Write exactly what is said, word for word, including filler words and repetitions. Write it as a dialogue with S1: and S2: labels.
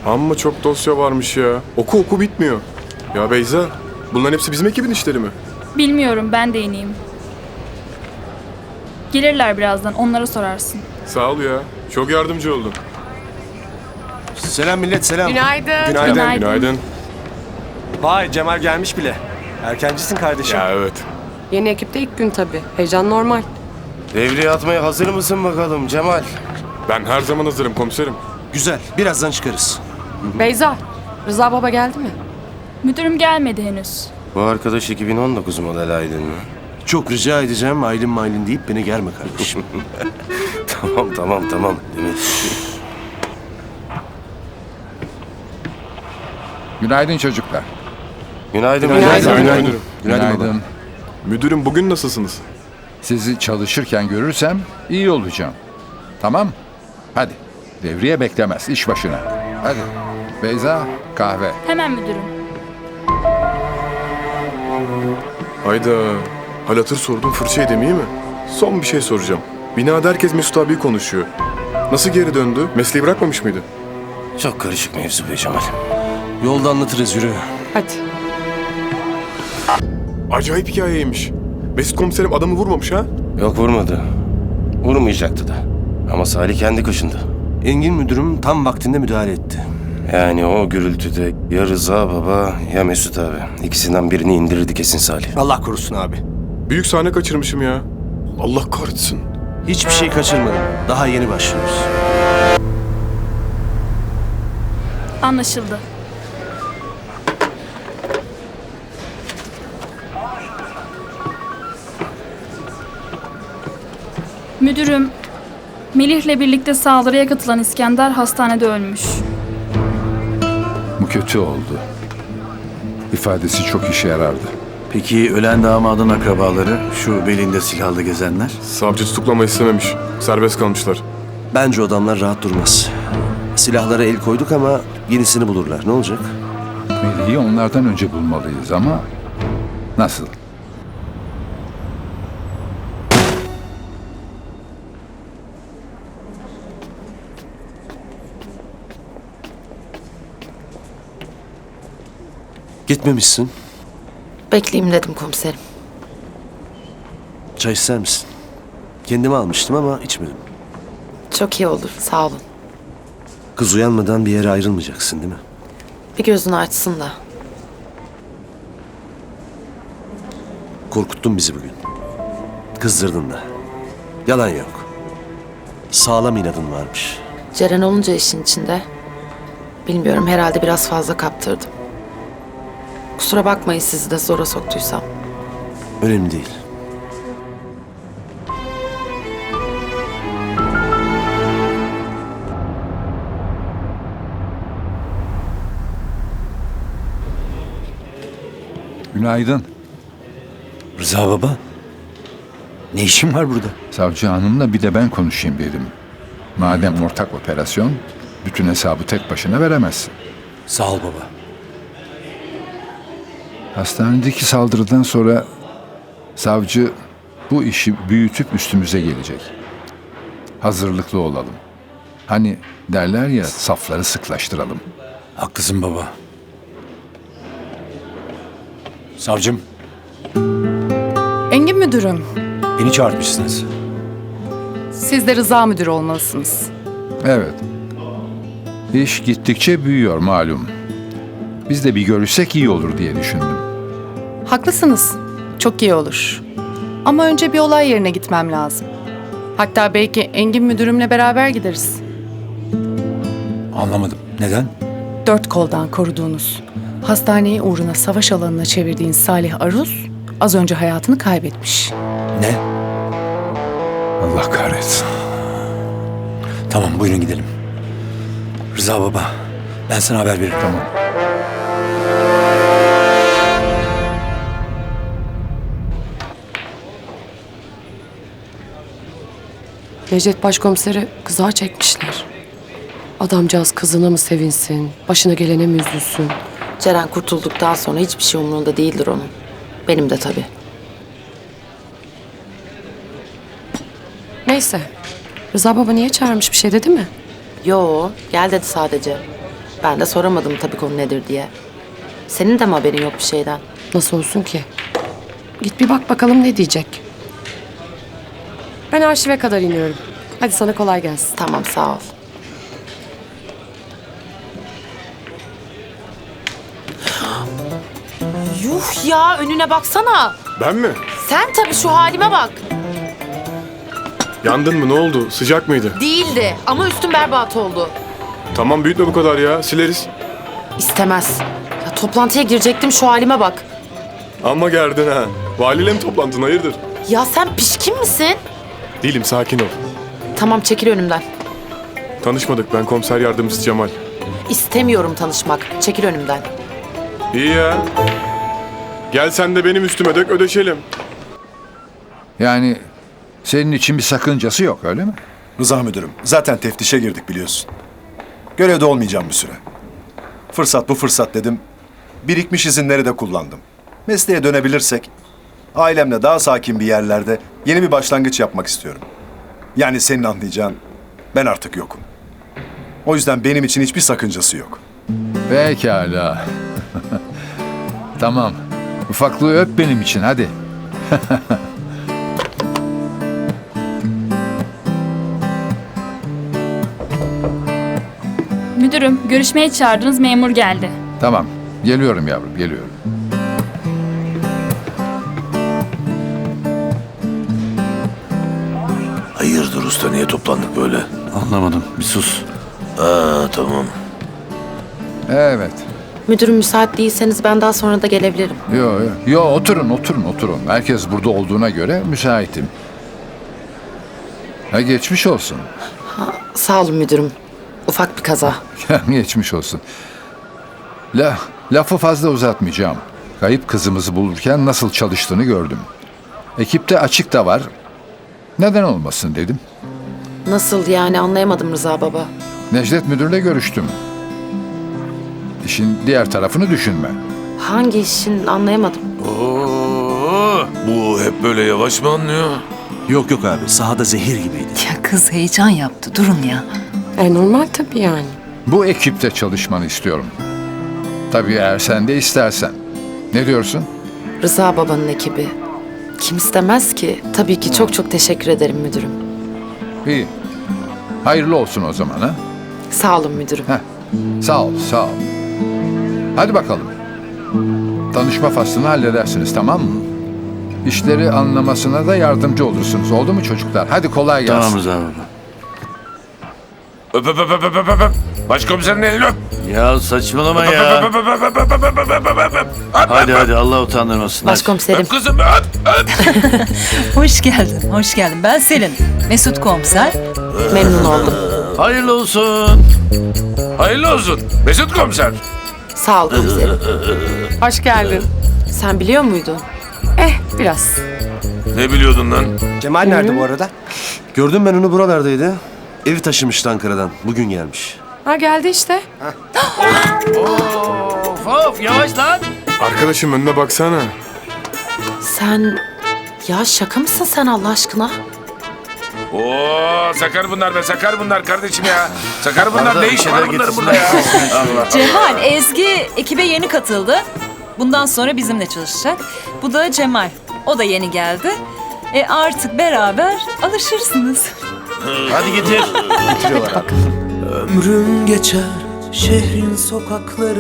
S1: Amma çok dosya varmış ya. Oku oku bitmiyor. Ya Beyza, bunların hepsi bizim ekibin işleri mi?
S2: Bilmiyorum, ben de ineyim. Gelirler birazdan, onlara sorarsın.
S1: Sağ ol ya. Çok yardımcı oldun.
S3: Selam millet, selam.
S4: Günaydın.
S1: Günaydın,
S2: Günaydın.
S1: günaydın.
S3: Vay, Cemal gelmiş bile. Erkencisin kardeşim.
S1: Ya evet.
S4: Yeni ekipte ilk gün tabii. Heyecan normal.
S5: Devreye atmaya hazır mısın bakalım Cemal?
S1: Ben her zaman hazırım komiserim.
S3: Güzel, birazdan çıkarız.
S4: Beyza, Rıza Baba geldi mi?
S2: Müdürüm gelmedi henüz.
S5: Bu arkadaş iki bin on dokuz model Aydın mı?
S3: Çok rica edeceğim, Aylin maylin deyip beni germe kardeşim.
S5: Tamam tamam tamam. Demet.
S6: Günaydın çocuklar.
S5: Günaydın.
S4: Günaydın.
S1: Günaydın müdürüm.
S3: Günaydın baba.
S1: Müdürüm bugün nasılsınız?
S6: Sizi çalışırken görürsem iyi olacağım. Tamam? Hadi. Devriye beklemez. İş başına. Hadi. Beyza, kahve.
S2: Hemen müdürüm.
S1: Hayda. Hal hatır sordum, fırça edemeyeyim mi? Son bir şey soracağım. Binada herkes Mesut abi konuşuyor. Nasıl geri döndü? Mesleği bırakmamış mıydı?
S5: Çok karışık mevzu be Cemal.
S3: Yolda anlatırız, yürü.
S4: Hadi.
S1: Acayip hikayeymiş. Mesut komiserim adamı vurmamış ha?
S5: Yok vurmadı. Vurmayacaktı da. Ama Salih kendi kaşındı.
S3: Engin müdürüm tam vaktinde müdahale etti.
S5: Yani o gürültüde ya Rıza baba ya Mesut abi. İkisinden birini indirirdi kesin Salih.
S3: Allah korusun abi.
S1: Büyük sahne kaçırmışım ya. Allah kahretsin.
S3: Hiçbir şey kaçırmadım. Daha yeni başlıyoruz.
S2: Anlaşıldı. Müdürüm, Melih'le birlikte saldırıya katılan İskender hastanede ölmüş.
S6: Bu kötü oldu. İfadesi çok işe yarardı.
S7: Peki ölen damadın akrabaları, şu belinde silahlı gezenler?
S1: Savcı tutuklama istememiş. Serbest kalmışlar.
S3: Bence o adamlar rahat durmaz. Silahlara el koyduk ama yenisini bulurlar. Ne olacak?
S6: Melih'i onlardan önce bulmalıyız ama nasıl?
S3: Gitmemişsin.
S8: Bekleyeyim dedim komiserim.
S3: Çay ister misin? Kendime almıştım ama içmedim.
S8: Çok iyi olur, sağ olun.
S3: Kız uyanmadan bir yere ayrılmayacaksın değil mi?
S8: Bir gözünü açsın da.
S3: Korkuttun bizi bugün. Kızdırdın da. Yalan yok. Sağlam inadın varmış.
S8: Ceren olunca işin içinde. Bilmiyorum, herhalde biraz fazla kaptırdım. Kusura bakmayın sizi de zora soktuysam.
S3: Önemli değil.
S6: Günaydın.
S7: Rıza baba, ne işin var burada?
S6: Savcı hanımla bir de ben konuşayım dedim. Madem ortak operasyon, bütün hesabı tek başına veremezsin.
S7: Sağ ol baba.
S6: Hastanedeki saldırıdan sonra savcı bu işi büyütüp üstümüze gelecek. Hazırlıklı olalım. Hani derler ya, safları sıklaştıralım.
S7: Haklısın baba. Savcım,
S4: Engin müdürüm,
S7: beni çağırtmışsınız.
S4: siz de Rıza müdür olmalısınız.
S6: Evet. İş gittikçe büyüyor malum. Biz de bir görüşsek iyi olur diye düşündüm.
S9: Haklısınız. Çok iyi olur. Ama önce bir olay yerine gitmem lazım. Hatta belki Engin müdürümle beraber gideriz.
S7: Anlamadım. Neden?
S9: Dört koldan koruduğunuz, hastaneyi uğruna savaş alanına çevirdiğin Salih Aruz az önce hayatını kaybetmiş.
S7: Ne?
S6: Allah kahretsin.
S7: Tamam, buyurun gidelim. Rıza baba, ben sana haber veririm.
S6: Tamam.
S4: Necdet başkomiseri kızağa çekmişler. Adamcağız kızına mı sevinsin, başına gelene mi üzülsün?
S8: Ceren kurtulduktan sonra hiçbir şey umurunda değildir onun. Benim de tabii.
S4: Neyse, Rıza Baba niye çağırmış, bir şey dedi mi?
S8: Yo, gel dedi sadece. Ben de soramadım tabii konu nedir diye. Senin de mi haberin yok bir şeyden?
S4: Nasıl olsun ki? Git bir bak bakalım ne diyecek. Ben arşive kadar iniyorum. Hadi sana kolay gelsin.
S8: Tamam, sağ ol. Yuh ya, önüne baksana.
S1: Ben mi?
S8: Sen tabii, şu halime bak.
S1: Yandın mı? Ne oldu? Sıcak mıydı?
S8: Değildi ama üstün berbat oldu.
S1: Tamam büyütme bu kadar ya. Sileriz.
S8: İstemez. Ya toplantıya girecektim, şu halime bak.
S1: Ama gerdin ha. Valiyle mi toplantın? Hayırdır?
S8: Ya sen pişkin misin?
S1: Değilim, sakin ol.
S8: Tamam, çekil önümden.
S1: Tanışmadık. Ben komiser yardımcısı Cemal.
S8: İstemiyorum tanışmak. Çekil önümden.
S1: İyi ya. Gel sen de benim üstüme dök, ödeşelim.
S6: Yani senin için bir sakıncası yok öyle mi?
S10: Rıza müdürüm, zaten teftişe girdik biliyorsun. Görevde olmayacağım bir süre. Fırsat bu fırsat dedim. Birikmiş izinleri de kullandım. Mesleğe dönebilirsek, ailemle daha sakin bir yerlerde yeni bir başlangıç yapmak istiyorum. Yani senin anlayacağın, ben artık yokum. O yüzden benim için hiçbir sakıncası yok.
S6: Pekala. Tamam. Ufaklığı öp benim için hadi.
S2: Müdürüm, görüşmeye çağırdığınız memur geldi.
S6: Tamam. Geliyorum yavrum, geliyorum.
S3: Hayırdır usta, niye toplandık böyle?
S7: Anlamadım. Bir sus.
S3: Aa, tamam.
S6: Evet.
S8: Müdürüm, müsait değilseniz ben daha sonra da gelebilirim.
S6: Yo, yo. Yo, oturun, oturun, oturun. Herkes burada olduğuna göre müsaitim. Ha, geçmiş olsun.
S8: Sağ olun müdürüm. Ufak bir kaza.
S6: Geçmiş olsun. La, lafı fazla uzatmayacağım. Kayıp kızımızı bulurken nasıl çalıştığını gördüm. Ekipte açık da var. Neden olmasın dedim.
S8: Nasıl yani, anlayamadım Rıza baba.
S6: Necdet müdürle görüştüm. İşin diğer tarafını düşünme.
S8: Hangi işin, anlayamadım.
S3: Oo, bu hep böyle yavaş mı anlıyor? Yok yok abi, sahada zehir gibiydi.
S11: Ya kız heyecan yaptı. Durun ya.
S4: E normal tabii yani.
S6: Bu ekipte çalışmanı istiyorum. Tabii eğer sen de istersen. Ne diyorsun?
S8: Rıza babanın ekibi. Kim istemez ki? Tabii ki, çok çok teşekkür ederim müdürüm.
S6: İyi. Hayırlı olsun o zaman ha.
S8: Sağ olun müdürüm.
S6: Heh. Sağ ol, sağ ol. Hadi bakalım. Tanışma faslını halledersiniz, tamam mı? İşleri anlamasına da yardımcı olursunuz. Oldu mu çocuklar? Hadi kolay gelsin.
S7: Tamam Rıza baba.
S3: Öp öp öp öp öp öp öp. Başkomiserin elini öp.
S7: Ya saçmalama
S3: Öp,
S7: ya.
S3: öp, öp, öp, öp, öp, öp, öp, öp, öp, öp, öp. Öp,
S7: Hadi
S3: öp,
S7: hadi Allah utandırmasın. hadi.
S8: Başkomiserim.
S3: öp kızım öp öp.
S11: Hoş geldin, hoş geldin. Ben Selin. Mesut komiser.
S8: Memnun oldum.
S7: Hayırlı olsun.
S3: Hayırlı olsun Mesut komiser.
S8: Sağ ol komiserim.
S4: Hoş geldin.
S8: Sen biliyor muydun?
S4: Eh biraz.
S3: Ne biliyordun lan?
S5: Cemal nerede bu arada? Gördüm ben onu, buralardaydı. Evi taşımıştı Ankara'dan. Bugün gelmiş.
S4: Ha geldi işte.
S7: Of of yavaş lan.
S1: Arkadaşım önüne baksana.
S8: Sen... Ya şaka mısın sen Allah aşkına?
S3: Oo sakar bunlar be, sakar bunlar kardeşim ya. Sakar bunlar,
S7: Arada
S3: ne
S7: bir
S3: iş
S7: şeyler
S3: var bunların
S7: getirsinler.
S3: burada ya? Allah.
S11: Cemal, Ezgi ekibe yeni katıldı. Bundan sonra bizimle çalışacak. Bu da Cemal. O da yeni geldi. E artık beraber alışırsınız.
S7: Hadi getir.
S5: Getiriyorlar abi.
S12: Ömrüm geçer şehrin sokakları